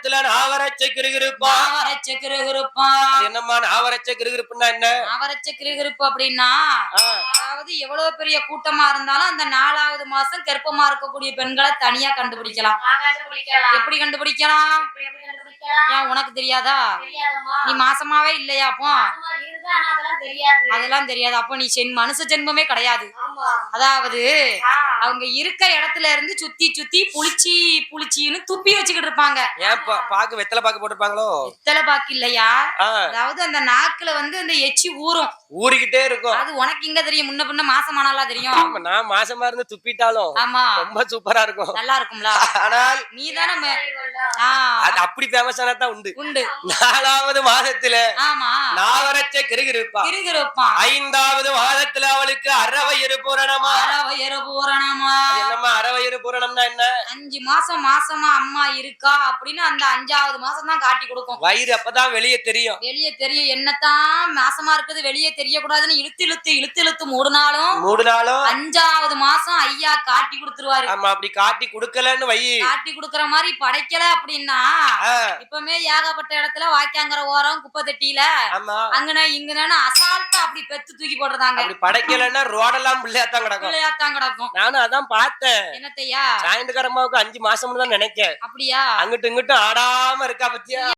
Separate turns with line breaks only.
மாதத்துல நாவரச்ச கிருகிருப்பா. என்னம்மா நாவரச்ச கிருகிருப்புன்னா என்ன?
நாவரச்ச கிருகிருப்பு அப்படின்னா அதாவது எவ்வளவு பெரிய கூட்டமா இருந்தாலும் அந்த 4வது மாசம் கர்ப்பமா இருக்கக்கூடிய பெண்களை தனியா கண்டுபிடிக்கலாம். எப்படி கண்டுபிடிக்கலாம்? ஏன் உனக்கு தெரியாதா? நீ மாசமாவே இல்லையா? அப்போ அதெல்லாம் தெரியாது. அப்போ நீ மனுஷ ஜென்மமே கிடையாது. அதாவது அவங்க இருக்க இடத்துல இருந்து சுத்தி சுத்தி புளிச்சின்னு துப்பி வச்சுக்கிட்டு இருப்பாங்க.
ஏன் பாக்கு வெத்தலை பாக்கு போட்டுருப்பாங்களோ?
வெத்தலை பாக்கு இல்லையா, அதாவது அந்த நாக்குல வந்து அந்த எச்சி ஊறிக்கிட்டே இருக்கும். அது உனக்கு இங்க தெரியும், முன்ன பின்ன மாசமானாலா தெரியும்.
நான் மாசமா இருந்து துப்பிட்டாலும்
ஆமா
ரொம்ப சூப்பரா இருக்கும்,
நல்லா இருக்கும்ல.
ஆனால்
நீ தானே
அது அப்படி ஃபேமஸான தான் உண்டு. 4வது மாதத்துல நாவரச்ச கிருகிருப்பா. 5வது மாதத்துல அவளுக்கு அறவயிறு பூரணமா. என்னம்மா அறவயிறு பூரணம்னா என்ன?
5 மாசம் மாசமா அம்மா இருக்கா அப்படின்னு அந்த 5வது மாசம் தான் காட்டி கொடுக்கும்.
வயிறு அப்பதான் வெளியே தெரியும்.
என்னத்தான் மாசமா இருக்குது வெளியே தெரியக்கூடாதுன்னு இழுத்து மூடினாலும் 5வது மாசம் ஐயா காட்டி கொடுத்துருவாரு.
ஆமா, அப்படி காட்டி கொடுக்கலன்னு
காட்டி கொடுக்கற மாதிரி படைக்கல அப்படின்னா இப்பமே ஏகப்பட்ட இடத்துல வாய்க்காங்கிற ஓரம் குப்பை தட்டியில அங்கன இங்கன்னு அசால்ட்டா அப்படி பெத்து தூக்கி போடுறாங்க.
அப்படி படைக்கலன்னா ரோடெல்லாம் பிள்ளையாத்தான்
கிடக்கும்.
நானும் அதான் பார்த்தேன்.
என்னத்தையா
சாயந்தரமாவுக்கு 5 மாசம்னு தான் நினைக்கேன்.
அப்படியா?
அங்கிட்டு இங்கிட்டும் ஆடாம இருக்கா பத்தியா?